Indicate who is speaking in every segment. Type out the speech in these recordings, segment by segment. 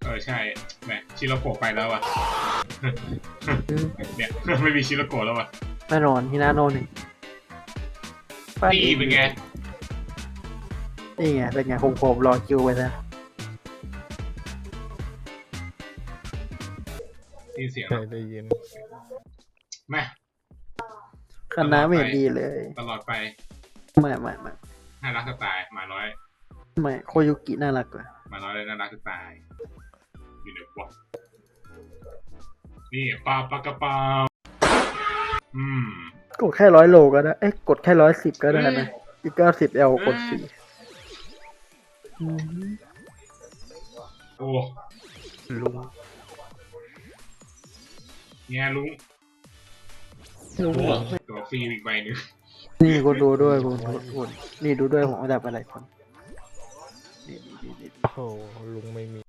Speaker 1: ใช่แหมชิโรโกะไปแล้วอ่ะเนี่ยไม่มีชิโรโกะแล้วอ่ะ
Speaker 2: แน่นอนฮินาโนนี่
Speaker 1: นี่เป็นไง
Speaker 2: นี่ไงเป็นไงคมๆรอคิวไปนะ
Speaker 1: นี่เสียง
Speaker 3: ได้ยิน
Speaker 1: แม่
Speaker 2: คณะไม่เห็นดีเลย
Speaker 1: ตลอดไป
Speaker 2: ไม่
Speaker 1: น่ารักสไตล์หมาน้อย
Speaker 2: ไม่โคยุกิน่ารักกว่า
Speaker 1: หมาน้อยเลยน่ารักสไตล์อยู่ในวะนี่ปลากระเป๋าก
Speaker 2: ดแค่100 โลก็ได้กดแค่110ก็ได้นะอีก90L กด4
Speaker 1: โอ้
Speaker 3: ลุง
Speaker 1: เนี่ยลุง
Speaker 2: ลุง
Speaker 1: ตัวฟรีอีกใบหนึ่ง
Speaker 2: นี่คุณดูด้วยคุณนี่ดูด้วยผมเอาแบบอะไรคนนี่
Speaker 3: โอ้โหลุงไม่มี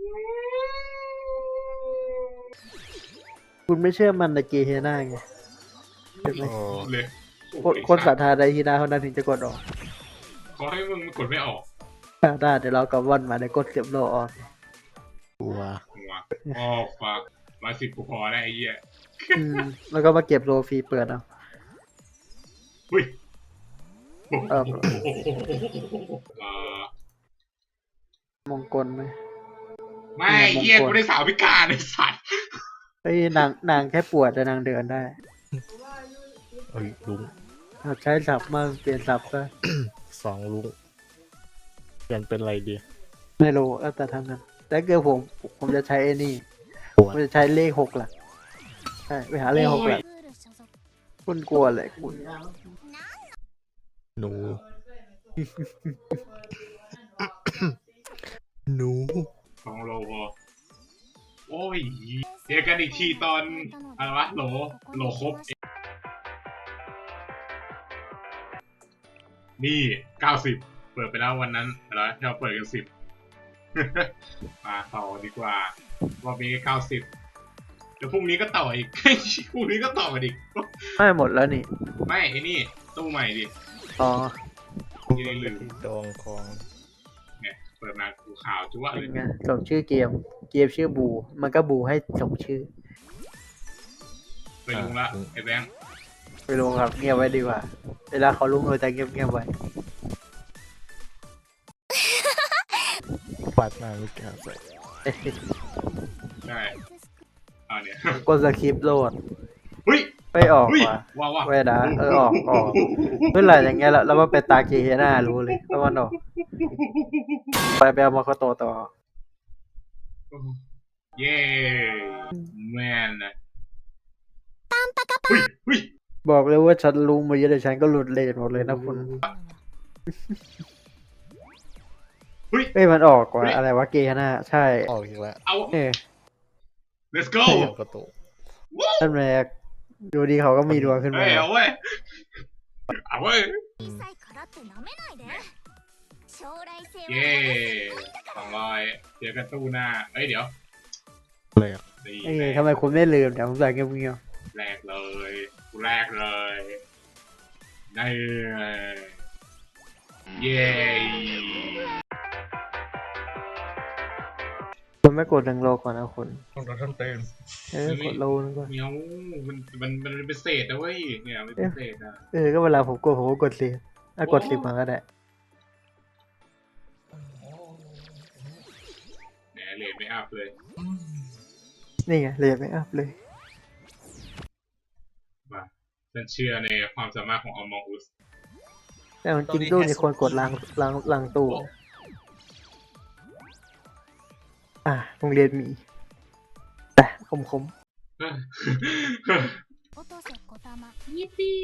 Speaker 2: คุณไม่เชื่อมันในเกเฮน่าไงเห็นไหม
Speaker 3: โอ้
Speaker 1: เลย
Speaker 2: คนศรัทธาในฮีนาเท่านั้นถึงจะกดออก
Speaker 1: เขาให้มึงกดไม่ออก
Speaker 2: ได้เดี๋ยวเรากับวันมาเดี๋ยวกดเสียบโลออก
Speaker 3: กลัว
Speaker 1: หัวอ๋อฟักมา10กูพอแล้วไอ้เหี้ย
Speaker 2: แล้วก็มาเก็บโลฟรีเปิดเอา
Speaker 1: อุ้ย
Speaker 2: เออ
Speaker 1: เออ
Speaker 2: มงกลไหม
Speaker 1: ไม่เหี้ยกูได้สาวพิการไอ้สัตว์
Speaker 2: เฮ้ยนางแค่ปวดแต่นางเดินได้
Speaker 3: เอ้ยลุง
Speaker 2: ใช้สับมาเปลี่ยนสับซะ
Speaker 3: 2ลุงเปลี่ยนเป็นอะไรดี
Speaker 2: ไม่รู้แต่ทางนั้นแต่เกิดผมจะใช้ไอ้นี่
Speaker 3: ปวด
Speaker 2: ผมจะใช้เลข6 หลักใช่ไปหาเลข6 หลักคุณกลัวอะไรคุณ
Speaker 3: หนู หนู
Speaker 1: ของโลพอโอ้ยเจอกันอีกทีตอนอะไรวะโหลครบนี่90เปิดไปแล้ววันนั้นแล้วที่เราเปิดกัน10 มาต่อดีกว่าวันนี้90เดี๋ยวพรุ่งนี้ก็ต่ออีก พรุ่งนี้ก็ต่ออีก
Speaker 2: ไม่หมดแล้วนี่
Speaker 1: ไม่ไอ้นี่ตู้ใหม่ดิ
Speaker 2: อ๋อ
Speaker 1: ยังลืม
Speaker 3: ดองคอง
Speaker 1: เนี่ยเปิดมาดูข่าวจุ๊วะเล
Speaker 2: เป็
Speaker 1: ย
Speaker 2: นไงส่งชื่อเกมชื่อบูมันก็บูให้ส่งชื่อ
Speaker 1: ไปลุงละไอ้แบงค์
Speaker 2: ไม่รู้ครับเงียบไว้ดีกว่าเวลาเขารู้เราจะเงียบไว้
Speaker 3: ปัดหน้าไม่กล้าใส่
Speaker 1: ใช่เอาเนี่ย
Speaker 2: กดสคริปต์โหลด
Speaker 1: เฮ้ย
Speaker 2: ไม่ออก
Speaker 1: เฮ้ย
Speaker 2: ว่ะ
Speaker 1: ว้าว
Speaker 2: เว้ยนะออกเมื่อไหร่อย่างเงี้ยแล้วมาเป็นตาเกเฮน่ารู้เลยว่ามันออกไปเอามาโคโตต่อ
Speaker 1: เย้แมนนะเฮ้ย
Speaker 2: บอกเลยว่าฉันรู้มาเยอะแต่ฉันก็หลุดเลนหมดเลยนะคุณ
Speaker 1: เฮ้ย
Speaker 2: เอ้ยมันออกว่ะอะไรวะเกเฮน่าใช่
Speaker 3: ออกอีกแล้ว
Speaker 1: เอา
Speaker 2: เออ
Speaker 1: let's go
Speaker 3: เดี๋ยวกระตุก
Speaker 2: นั่นแหละดูดีเขาก็มีดวงขึ้น
Speaker 1: เฮ้
Speaker 2: มาย
Speaker 1: เอาเว้ยเอาเว้ยเย้200เจอกันตู้หน้าเอ้ยเดี๋ยว
Speaker 3: เลยอ่ะ
Speaker 1: ดี
Speaker 2: เอ้ยทำไมคุณไม่ลืมเดี๋ยวผมใส่เงียบ
Speaker 1: แรกเลยกูแรกเลยได้เลยเย้
Speaker 2: ๆคุณไม่กดดังโลก่อนนะคุณ
Speaker 3: ต้องท่านเต้น
Speaker 2: กดโลนึงก่อน
Speaker 1: เมียวมันเป็นเศษนะเว้ยเนี่ยมันเป็นเศษนะ
Speaker 2: ก็เวลาผมกดผมก็กดสิกด10มาก็ได้
Speaker 1: แหมเลทไม่อัพเลย
Speaker 2: นี่ไงเลยไม่อัพเลย
Speaker 1: มาฉันเชื่อในความสามารถของ Among Us
Speaker 2: แต่จริงๆตู้นี่ควรกดล้างตู้โรงเรียนมีแต่คม
Speaker 1: ยิปปี้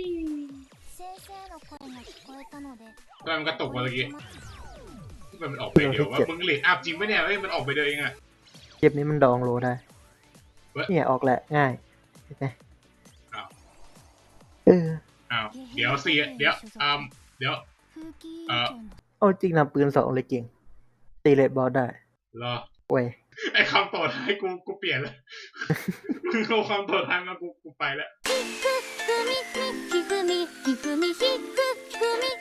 Speaker 1: ทำไมมันกระตกมาเมื่อกี้มันออกไปเดี๋ยวว่ามึงเลทอัพจริงปะเนี่ยเฮ้ยมันออกไปเดียวเองอะ
Speaker 2: เกมนี้มันดองโลได้เนี่ยออกแหละง่ายเห็นไหม
Speaker 1: อ้าว
Speaker 2: อ้าว
Speaker 1: เดี๋ยวเดี๋ยว
Speaker 2: เอาจริงนำปืน2เลยเก่งตีเลดบอลได้
Speaker 1: รอ
Speaker 2: เว้ย
Speaker 1: ไอ้คำต่อท้ายกูเปลี่ยนแล้ว มึงเอาคำต่อท้ายมากูไปแล้ว